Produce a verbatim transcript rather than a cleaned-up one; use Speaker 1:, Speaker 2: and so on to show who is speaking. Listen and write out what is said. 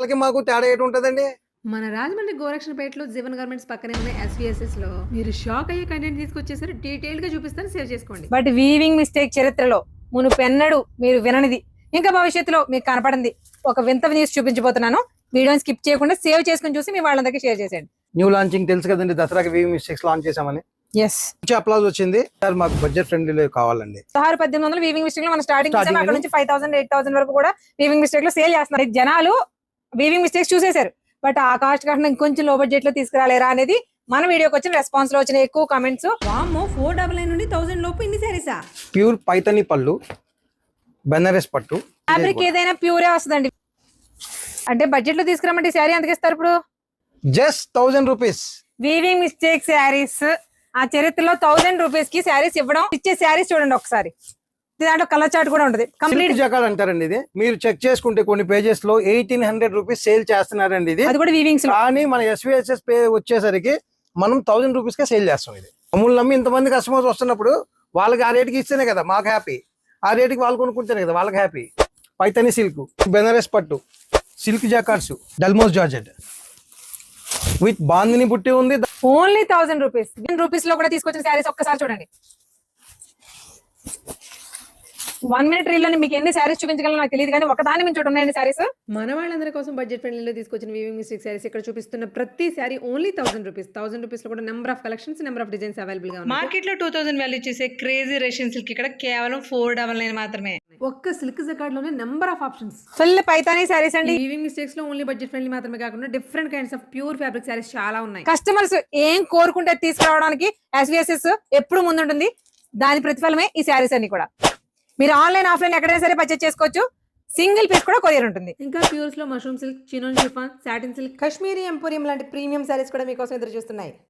Speaker 1: వాళ్ళకి మాకు తేడా ఏంటి ఉంటుందండి?
Speaker 2: మన రాజమండ్రి గోరక్షణపేటలో జీవన్ గార్మెంట్స్ పక్కనే ఉన్న ఎస్విఎస్ఎస్ లో మీరు షాక్ అయ్యే కంటెంట్ తీసుకొచ్చేసరి డీటెయిల్ గా చూపిస్తాను, సేవ్ చేసుకోండి.
Speaker 3: బట్ వీవింగ్ మిస్టేక్ చరిత్రలో మునుపెన్నడు మీరు విననిది, ఇంకా భవిష్యత్తులో మీకు కనపడింది ఒక వింత న్యూస్ చూపించబోతున్నాను. వీడియోని స్కిప్ చేయకుండా సేవ్ చేసుకుని చూసి మీ వాళ్ళందరికీ షేర్ చేసేయండి.
Speaker 1: న్యూ లాంచింగ్ తెలుసు కదండి, దసరాకి వీవింగ్ మిస్టేక్స్ లాంచ్ చేసామని.
Speaker 3: ఎస్,
Speaker 1: మంచి అప్లాజ్ వచ్చింది సార్. మాకు బడ్జెట్ ఫ్రెండ్లీ కావాలండి.
Speaker 3: పదహారు పద్దెనిమిది వందలు వీవింగ్ మిస్టేక్ లో మనం స్టార్టింగ్
Speaker 1: Starting
Speaker 3: అక్కడ నుంచి ఫైవ్ థౌసండ్ ఎయిట్ థౌసండ్ వరకు కూడా వీవింగ్ మిస్టేక్ లో సేల్ చేస్తున్నారు. జనాలు వీవింగ్ మిస్టేక్స్ చూసేశారు, బట్ ఆ కాస్ట్ కాకుండా ఇంకొంచెం లో బడ్జెట్ లో తీసుకురాలేరా అనేది మన వీడియోకి వచ్చిన రెస్పాన్స్ లో వచ్చిన ఎక్కువ కామెంట్స్.
Speaker 2: వామ్మో, ఫోర్ డబల్ నైన్ నుండి థౌసండ్ లోపు ఇన్ని సారీసా?
Speaker 1: ప్యూర్ పైతని పళ్ళు, బెనారస్ పట్టు.
Speaker 3: ఫ్యాబ్రిక్ ఏదైనా ప్యూరే వస్తుందండి. అంటే బడ్జెట్ లో తీసుకురామంటే శారీ ఎంతకి ఇస్తారు ఇప్పుడు?
Speaker 1: Just thousand rupees.
Speaker 3: Weaving mistake sarees ఆ చరిత్రలో థౌసండ్ రూపీస్ కి శారీస్ ఇవ్వడం, ఇచ్చే శారీస్ చూడండి ఒకసారి. దాంట్లో కలర్ చార్ట్ కూడా ఉంటుంది. కంప్లీట్
Speaker 1: జకాడ్ అంటారండి ఇది. మీరు చెక్ చేసుకుంటే కొన్ని పేజెస్ లో ఎయిటీన్ హండ్రెడ్ రూపీస్ సేల్ చేస్తున్నారండి ఇది.
Speaker 3: అది కూడా వీవింగ్స్ లో.
Speaker 1: కానీ మన ఎస్విఎస్ఎస్ పే వచ్చేసరికి మనం థౌసండ్ రూపీస్ కే సేల్ చేస్తాం. ఇది అమూల్ నమ్మి ఇంతమంది కస్టమర్స్ వస్తున్నప్పుడు వాళ్ళకి ఆ రేటుకి ఇస్తేనే కదా మాకు హ్యాపీ. ఆ రేటుకి వాళ్ళు కొనుక్కుంటేనే కదా వాళ్ళకి హ్యాపీ. పైతని సిల్క్, బెనారస్ పట్టు, సిల్క్ జాకార్డ్స్, డల్మోస్ జార్జెట్ విత్ బాందిని బుట్టి ఉంది.
Speaker 3: Only thousand rupees. రూపీస్ లో కూడా తీసుకొచ్చిన శారీస్ ఒక్కసారి చూడండి. వన్ మినిట్ రీల్ అని మీకు ఎన్ని శారీస్ చూపించగలను నాకు తెలియదు, కానీ ఒకదాని నుంచి ఉన్నాయండి శారీస్.
Speaker 2: మన వాళ్ళందరి కోసం బడ్జెట్ ఫ్రెండ్లీలో తీసుకొచ్చిన వీవింగ్ మిస్టేక్ శారీస్ ఇక్కడ చూపిస్తున్న ప్రతి saree only thousand rupees. Thousand rupees లో కూడా number of collections, number of designs available గా ఉన్నాయి.
Speaker 4: మార్కెట్ లో టూ థౌసండ్ వాల్యూ చేసే క్రేజీ రేషన్ సిల్క్ ఇక్కడ కేవలం ఫోర్ డబల్ నైన్ మాత్రమే.
Speaker 2: ఒక్క సిల్క్ జకార్డ్ లోనే number of options.
Speaker 3: Full Paithani sarees అండి.
Speaker 2: వీవింగ్ మిస్టేక్స్ లో ఓన్లీ బడ్జెట్ ఫ్రెండ్లీ మాత్రమే కాకుండా different kinds of pure fabric sarees చాలా ఉన్నాయి.
Speaker 3: కస్టమర్స్ ఏం కోరుకుంటే తీసుకురావడానికి ఎస్విఎస్ఎస్ ఎప్పుడు ముందుంటుంది. దాని ప్రతిఫలమే ఈ శారీస్ అన్ని కూడా. మీరు ఆన్లైన్ ఆఫ్లైన్ ఎక్కడైనా సరే పర్చేస్ చేసుకోవచ్చు. సింగిల్ పీస్ కూడా కొరియర్ ఉంటుంది.
Speaker 2: ఇంకా ప్యూర్స్ లో mushroom silk, chinon chiffon, satin silk, Kashmiri emporium లాంటి ప్రీమియం శారీస్ కూడా మీకోసం ఎదురు చూస్తున్నాయి.